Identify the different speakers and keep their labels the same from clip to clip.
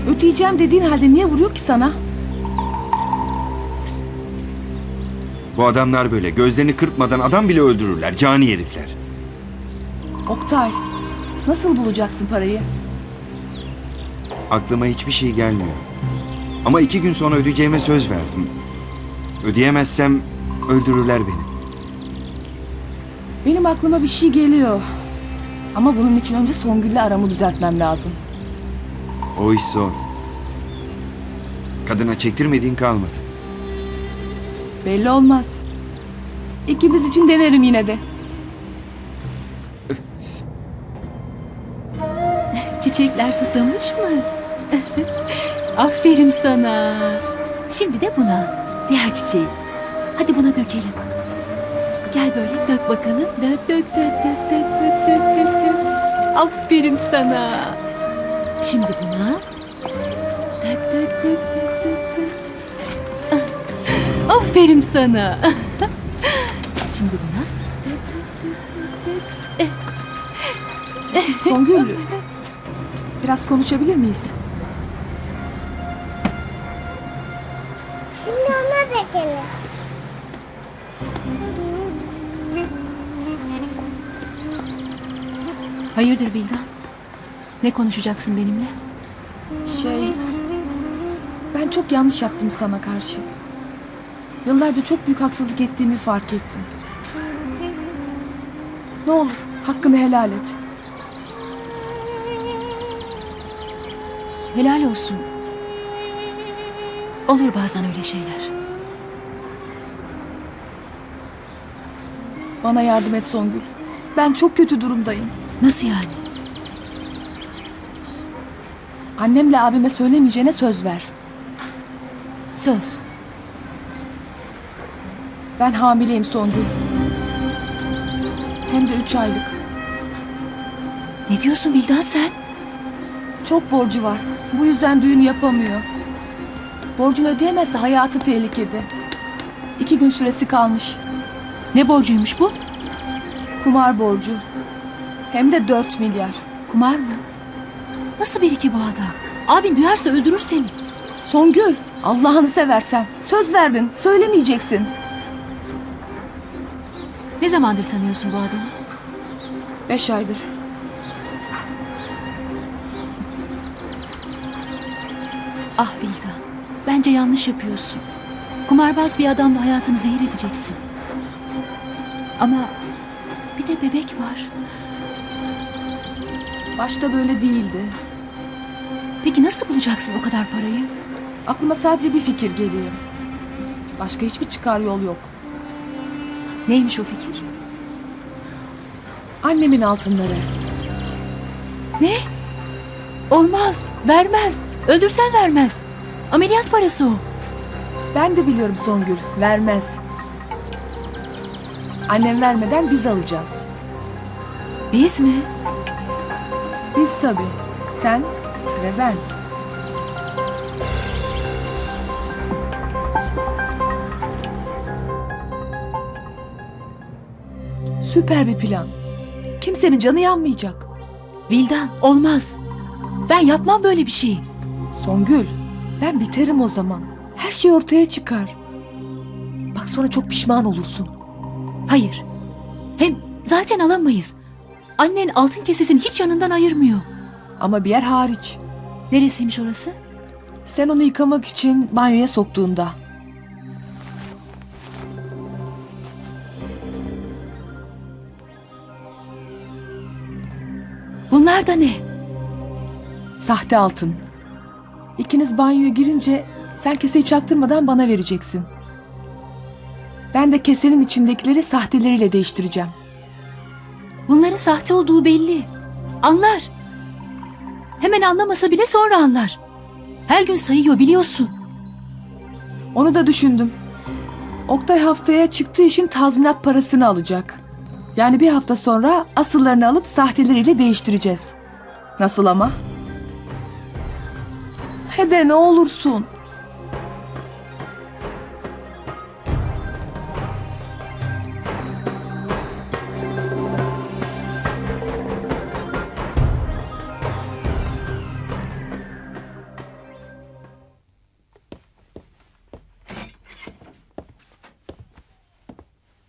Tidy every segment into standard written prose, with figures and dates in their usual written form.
Speaker 1: Ödeyeceğim dediğin halde niye vuruyor ki sana?
Speaker 2: Bu adamlar böyle gözlerini kırpmadan adam bile öldürürler. Cani herifler.
Speaker 1: Oktay, nasıl bulacaksın parayı?
Speaker 2: Aklıma hiçbir şey gelmiyor. Ama 2 gün sonra ödeyeceğime söz verdim. Ödeyemezsem öldürürler beni.
Speaker 1: Benim aklıma bir şey geliyor. Ama bunun için önce Songül'le aramı düzeltmem lazım.
Speaker 2: O iş zor. Kadına çektirmediğin kalmadı.
Speaker 1: Belli olmaz. İkimiz için denerim yine de.
Speaker 3: Çiçekler susamış mı? Aferin sana. Şimdi de buna. Diğer çiçeği. Hadi buna dökelim. Gel böyle dök bakalım. Dök dök dök dök dök dök dök dök dök. Aferin sana. Şimdi buna. Dök dök dök dök dök dök. Aferin sana. Şimdi buna. Dök dök dök dök dök.
Speaker 1: Songül, biraz konuşabilir miyiz?
Speaker 4: Şimdi ona dökelim.
Speaker 3: Hayırdır Vildan? Ne konuşacaksın benimle?
Speaker 1: Ben çok yanlış yaptım sana karşı. Yıllarca çok büyük haksızlık ettiğimi fark ettim. Ne olur hakkını helal et.
Speaker 3: Helal olsun. Olur bazen öyle şeyler.
Speaker 1: Bana yardım et Songül. Ben çok kötü durumdayım.
Speaker 3: Nasıl yani?
Speaker 1: Annemle abime söylemeyeceğine söz ver.
Speaker 3: Söz.
Speaker 1: Ben hamileyim Songül. Hem de 3 aylık.
Speaker 3: Ne diyorsun Vildan sen?
Speaker 1: Çok borcu var. Bu yüzden düğün yapamıyor. Borcunu ödeyemezse hayatı tehlikede. 2 gün süresi kalmış.
Speaker 3: Ne borcuymuş bu?
Speaker 1: Kumar borcu. Hem de 4 milyar.
Speaker 3: Kumar mı? Nasıl biri ki bu adam? Abin duyarsa öldürür seni.
Speaker 1: Songül, Allah'ını seversen. Söz verdin, söylemeyeceksin.
Speaker 3: Ne zamandır tanıyorsun bu adamı?
Speaker 1: 5 aydır.
Speaker 3: Ah Vildan, bence yanlış yapıyorsun. Kumarbaz bir adamla hayatını zehir edeceksin. Ama bir de bebek var.
Speaker 1: Başta böyle değildi.
Speaker 3: Peki nasıl bulacaksın o kadar parayı?
Speaker 1: Aklıma sadece bir fikir geliyor. Başka hiçbir çıkar yol yok.
Speaker 3: Neymiş o fikir?
Speaker 1: Annemin altınları.
Speaker 3: Ne? Olmaz, vermez. Öldürsen vermez. Ameliyat parası o.
Speaker 1: Ben de biliyorum Songül, vermez. Annem vermeden biz alacağız.
Speaker 3: Biz mi?
Speaker 1: Biz tabii. Sen ve ben. Süper bir plan. Kimsenin canı yanmayacak.
Speaker 3: Vildan, olmaz. Ben yapmam böyle bir şeyi.
Speaker 1: Songül, ben biterim o zaman. Her şey ortaya çıkar. Bak sonra çok pişman olursun.
Speaker 3: Hayır. Hem zaten alamayız. Annen altın kesesini hiç yanından ayırmıyor.
Speaker 1: Ama bir yer hariç.
Speaker 3: Neresiymiş orası?
Speaker 1: Sen onu yıkamak için banyoya soktuğunda.
Speaker 3: Bunlar da ne?
Speaker 1: Sahte altın. İkiniz banyoya girince sen keseyi çaktırmadan bana vereceksin. Ben de kesenin içindekileri sahteleriyle değiştireceğim.
Speaker 3: Bunların sahte olduğu belli. Anlar. Hemen anlamasa bile sonra anlar. Her gün sayıyor biliyorsun.
Speaker 1: Onu da düşündüm. Oktay haftaya çıktığı işin tazminat parasını alacak. Yani bir hafta sonra asıllarını alıp sahteleriyle değiştireceğiz. Nasıl ama? Hede ne olursun.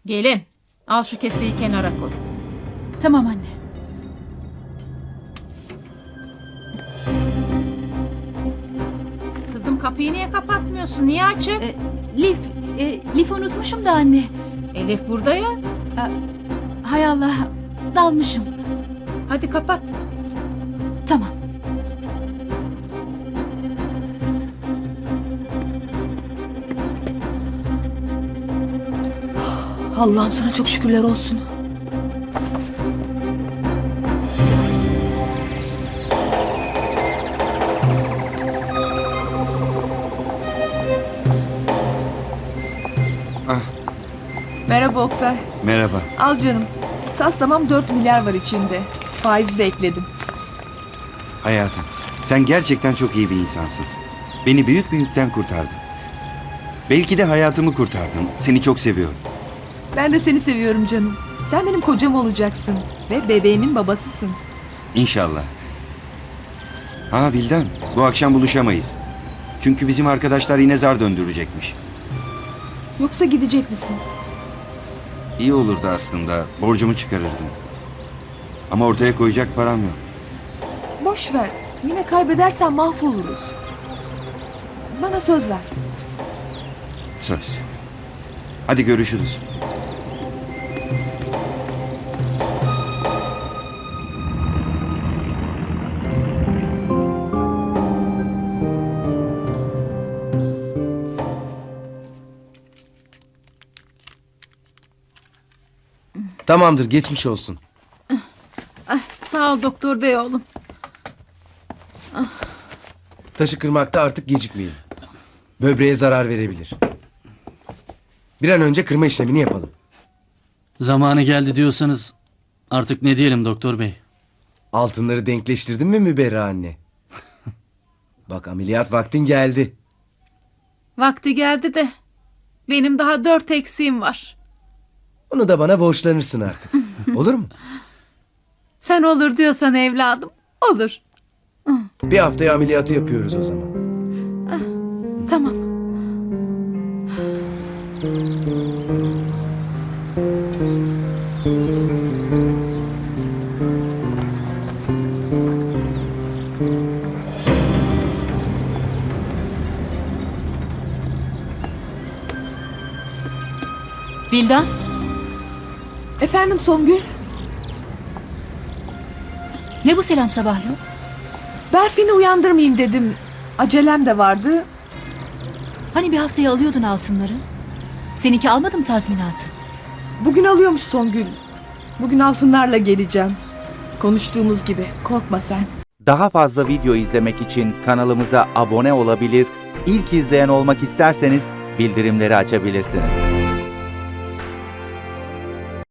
Speaker 4: Gelin, al şu keseyi kenara koy.
Speaker 3: Tamam anne.
Speaker 4: Kızım kapıyı niye kapatmıyorsun? Niye açık?
Speaker 3: Lif unutmuşum da anne.
Speaker 4: Elif burada ya.
Speaker 3: Hay Allah, dalmışım.
Speaker 4: Hadi kapat.
Speaker 3: Tamam.
Speaker 1: Allah'ım sana çok şükürler olsun.
Speaker 2: Ah,
Speaker 1: Merhaba Oktay.
Speaker 2: merhaba.
Speaker 1: Al canım. Tas tamam 4 milyar var içinde. Faizi de ekledim.
Speaker 2: Hayatım, sen gerçekten çok iyi bir insansın. Beni büyük bir yükten kurtardın. Belki de hayatımı kurtardın. Seni çok seviyorum.
Speaker 1: Ben de seni seviyorum canım. Sen benim kocam olacaksın. Ve bebeğimin babasısın.
Speaker 2: İnşallah. Ha Vildan, bu akşam buluşamayız. Çünkü bizim arkadaşlar yine zar döndürecekmiş.
Speaker 1: Yoksa gidecek misin?
Speaker 2: İyi olurdu aslında. Borcumu çıkarırdım. Ama ortaya koyacak param yok.
Speaker 1: Boş ver. Yine kaybedersen mahvoluruz. Bana söz ver.
Speaker 2: Söz. Hadi görüşürüz.
Speaker 5: Tamamdır, geçmiş olsun.
Speaker 4: Sağ ol doktor bey oğlum.
Speaker 5: Taşı kırmakta artık gecikmeyin. Böbreğe zarar verebilir. Bir an önce kırma işlemini yapalım.
Speaker 6: Zamanı geldi diyorsanız artık ne diyelim doktor bey?
Speaker 5: Altınları denkleştirdin mi Müberra anne? Bak ameliyat vaktin geldi.
Speaker 4: Vakti geldi de benim daha 4 eksiğim var.
Speaker 5: Onu da bana borçlanırsın artık. Olur mu?
Speaker 4: Sen olur diyorsan evladım, olur.
Speaker 5: Bir haftaya ameliyatı yapıyoruz o zaman.
Speaker 4: Tamam.
Speaker 3: Vildan,
Speaker 1: Efendim Songül?
Speaker 3: ne bu selam sabahlı?
Speaker 1: Berfin'i uyandırmayayım dedim. Acelem de vardı.
Speaker 3: Hani bir haftaya alıyordun altınları? Seninki almadı mı tazminatı?
Speaker 1: Bugün alıyormuş Songül. Bugün altınlarla geleceğim. Konuştuğumuz gibi. Korkma sen.
Speaker 7: Daha fazla video izlemek için kanalımıza abone olabilir, ilk izleyen olmak isterseniz bildirimleri açabilirsiniz.